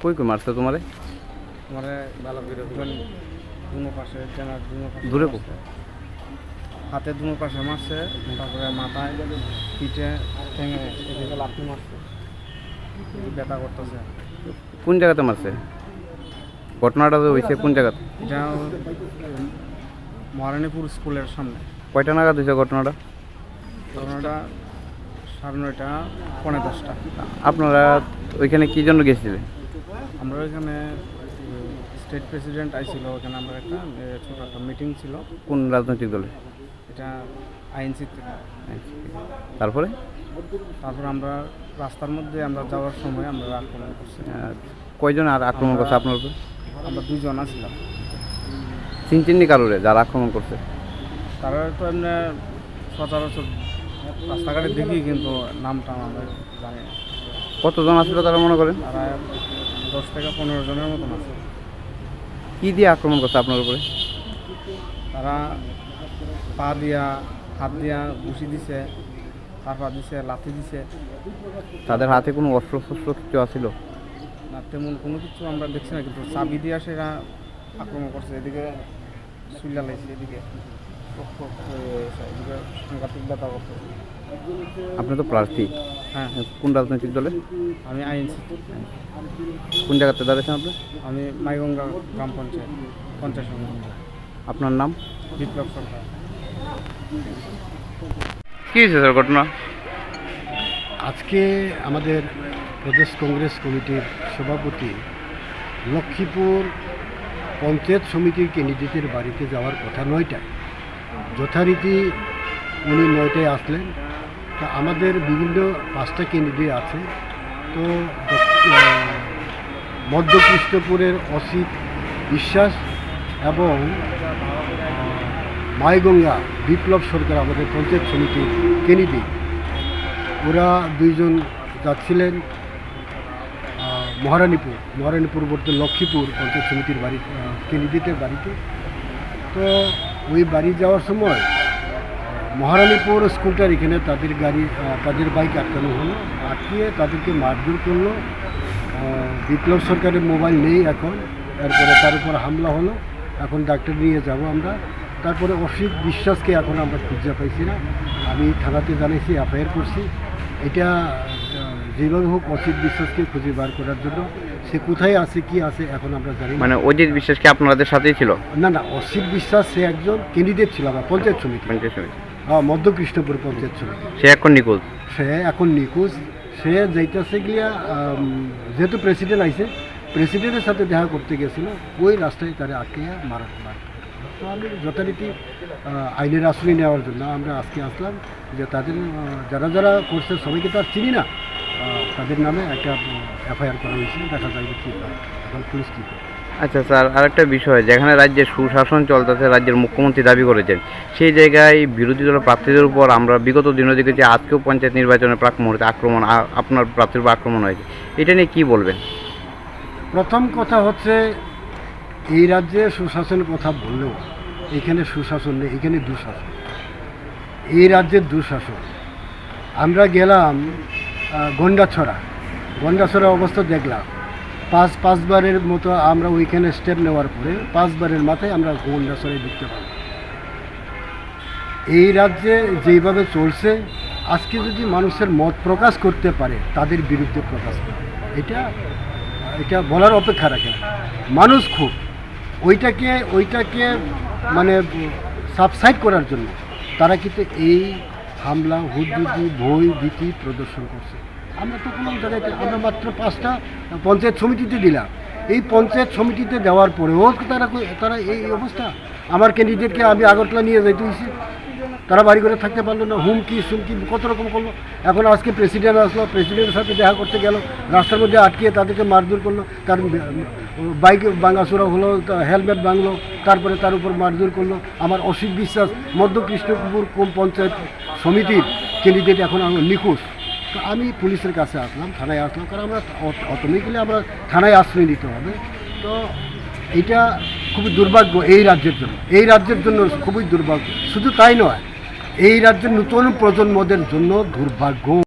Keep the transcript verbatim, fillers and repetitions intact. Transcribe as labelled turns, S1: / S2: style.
S1: কই কই মারছে তোমারে?
S2: আমারে ভালো করে ধরেন দুনো পাশে টেনার দুনো পাশে
S1: দূরে
S2: মারছে। হাতে দুনো পাশে মারছে, তারপরে মাথায় পিঠে ঠেঙে এদিকে লাথি মারছে, ব্যথা করতেছে।
S1: কোন জায়গাতে মারছে? ঘটনাটা তো হয়েছে কোন জায়গাতে?
S2: এটা মহারানীপুর স্কুলের সামনে।
S1: কয়টা নাগাদ হয়েছে ঘটনাটা?
S2: ঘটনাটা সাড়ে নয়টা পৌনে দশটা।
S1: আপনারা ওইখানে কি জন্য গেছিলেন?
S2: আমরা ওইখানে স্টেট প্রেসিডেন্ট আইছিল, ওখানে আমরা একটা এ, ছোট একটা মিটিং ছিল।
S1: কোন রাজনৈতিক দলে?
S2: এটা আইএনসি থেকে।
S1: তারপরে
S2: তারপর আমরা রাস্তার মধ্যে আমরা যাওয়ার সময় আমরা আক্রমণ করছি।
S1: আহ, কয়জন আর আক্রমণ করছে আপনার উপর?
S2: আমরা দুইজন আসছিলাম।
S1: চিনচিন্নি কারোরে যারা আক্রমণ করছে?
S2: তারা তো এমনি সচরাচর রাস্তাঘাটে দেখি, কিন্তু নামটা আমরা জানি না।
S1: কতজন আসলে তারা মনে করেন?
S2: তারা দশ থেকে পনেরো জনের মতন আছে।
S1: কি দিয়ে আক্রমণ করছে আপনার উপরে?
S2: তারা পা দিয়া হাত দিয়া ঘুষি দিছে, তারপর দিছে লাথি দিছে।
S1: তাদের হাতে কোনো অস্ত্র শস্ত্র কিছু আছিল?
S2: না, তেমন কোনো কিছু আমরা দেখছি না, কিন্তু চাবি দিয়া সেরা আক্রমণ করছে। এদিকে সুইলা লাইছে, এদিকে রক্ত হয়ে গেছে, এদিকে সাংঘাতিক ব্যথা করছে।
S1: আপনি তো প্রার্থী,
S2: হ্যাঁ,
S1: কোন রাজনৈতিক দলে?
S2: আমি আইনসি।
S1: কোন জায়গাতে দাঁড়িয়েছেন আপনি?
S2: আমি মাইগঙ্গা গ্রাম পঞ্চায়েত পঞ্চায়েত সমিতি।
S1: আপনার নাম?
S2: বিপ্লব সরকার।
S1: কী হয়েছে স্যার ঘটনা?
S3: আজকে আমাদের প্রদেশ কংগ্রেস কমিটির সভাপতি লক্ষ্মীপুর পঞ্চায়েত সমিতির ক্যান্ডিডেটের বাড়িতে যাওয়ার কথা নয়টায়, যথারীতি উনি নয়টায় আসলেন। তা আমাদের বিভিন্ন পাঁচটা ক্যান্ডিডেট আছে, তো মধ্য কৃষ্ণপুরের অসিত বিশ্বাস এবং মাইগঙ্গা বিপ্লব সরকার আমাদের পঞ্চায়েত সমিতির ক্যান্ডিডেট, ওরা দুইজন যাচ্ছিলেন মহারানীপুর মহারানীপুর বলতে লক্ষ্মীপুর পঞ্চায়েত সমিতির বাড়ি ক্যান্ডিডেটের বাড়িতে। তো ওই বাড়ি যাওয়ার সময় মহারানীপুর স্কুলটার এখানে তাদের গাড়ি তাদের বাইক আটকানো হলো, আটকিয়ে তাদেরকে মারধর করলো। বিপ্লব সরকারের মোবাইল নেই এখন, তারপরে তার উপর হামলা হলো। এখন ডাক্তার নিয়ে যাব আমরা। তারপরে অসিত বিশ্বাসকে এখন আমরা খুঁজে পাইছি না। আমি থানাতে জানাইছি, এফআইআর করছি। এটা যেভাবে হোক অসিত বিশ্বাসকে খুঁজে বার করার জন্য, সে কোথায় আছে কি আছে এখন আমরা জানি না।
S1: মানে অজিত বিশ্বাস কি আপনাদের সাথেই ছিল?
S3: না না, অসিত বিশ্বাস সে একজন ক্যান্ডিডেট ছিল আমার পঞ্চায়েত সমিতি,
S1: পঞ্চায়েত সমিতি।
S3: হ্যাঁ, মধ্য কৃষ্ণপুর পঞ্চায়েত সমিতি।
S1: সে এখন নিখোঁজ।
S3: সে এখন নিখোঁজ। সে যাইতেছে গিয়া যেহেতু প্রেসিডেন্ট আইছে, প্রেসিডেন্টের সাথে দেখা করতে গেছিল, ওই রাস্তায় তারা আটকে মারা মার। তো আমি যথারীতি আইনের আশ্রয় নেওয়ার জন্য আমরা আজকে আসলাম, যে তাদের যারা যারা করছে সবাইকে তো আর চিনি না, তাদের নামে একটা এফআইআর করা হয়েছে। দেখা যাবে কী এখন পুলিশ কী করে।
S1: আচ্ছা স্যার, আরেকটা বিষয়, যেখানে রাজ্যের সুশাসন চলতেছে, রাজ্যের মুখ্যমন্ত্রী দাবি করেছেন, সেই জায়গায় বিরোধী দলের প্রার্থীদের উপর আমরা বিগত দিনে দেখেছি, আজকেও পঞ্চায়েত নির্বাচনের প্রাক মুহূর্তে আক্রমণ, আপনার প্রার্থীর উপর আক্রমণ হয়েছে। এটা নিয়ে কী বলবেন?
S3: প্রথম কথা হচ্ছে, এই রাজ্যে সুশাসনের কথা বললেও এখানে সুশাসন নেই, এখানে দুঃশাসন। এই রাজ্যের দুঃশাসন। আমরা গেলাম গন্ডাছড়া, গন্ডাছড়া অবস্থা দেখলাম। পাঁচ পাঁচবারের মতো আমরা ওইখানে স্টেপ নেওয়ার পরে পাঁচবারের মাথায় আমরা গন্ডাছড়ায় ঢুকতে পারি। এই রাজ্যে যেইভাবে চলছে, আজকে যদি মানুষের মত প্রকাশ করতে পারে, তাদের বিরুদ্ধে প্রকাশ করে, এটা এটা বলার অপেক্ষা রাখে না। মানুষ খুব ওইটাকে ওইটাকে মানে সাবসাইড করার জন্য তারা কিন্তু এই হামলা হুদুদি ভয় ভীতি প্রদর্শন করছে। আমরা তো কোনো জায়গায়, আমরা মাত্র পাঁচটা পঞ্চায়েত সমিতিতে দিলাম। এই পঞ্চায়েত সমিতিতে দেওয়ার পরেও তারা তারা এই অবস্থা। আমার ক্যান্ডিডেটকে আমি আগরতলা নিয়ে যাইতে হয়েছি, তারা বাড়ি করে থাকতে পারলো না, হুমকি সুমকি কত রকম করলো। এখন আজকে প্রেসিডেন্ট আসলো, প্রেসিডেন্টের সাথে দেখা করতে গেল, রাস্তার মধ্যে আটকিয়ে তাদেরকে মারধর করলো, তার বাইক ভাঙাচোরা হলো, হেলমেট ভাঙলো, তারপরে তার উপর মারধর করলো। আমার অসিত বিশ্বাস মধ্য কৃষ্ণপুর পঞ্চায়েত সমিতির ক্যান্ডিডেট এখন আমার নিখোঁজ। তো আমি পুলিশের কাছে আসলাম, থানায় আসলাম, কারণ আমরা অটোমেটিক্যালি আমরা থানায় আশ্রয় নিতে হবে। তো এটা খুবই দুর্ভাগ্য এই রাজ্যের জন্য, এই রাজ্যের জন্য খুবই দুর্ভাগ্য। শুধু তাই নয়, এই রাজ্যের নতুন প্রজন্মদের জন্য দুর্ভাগ্য।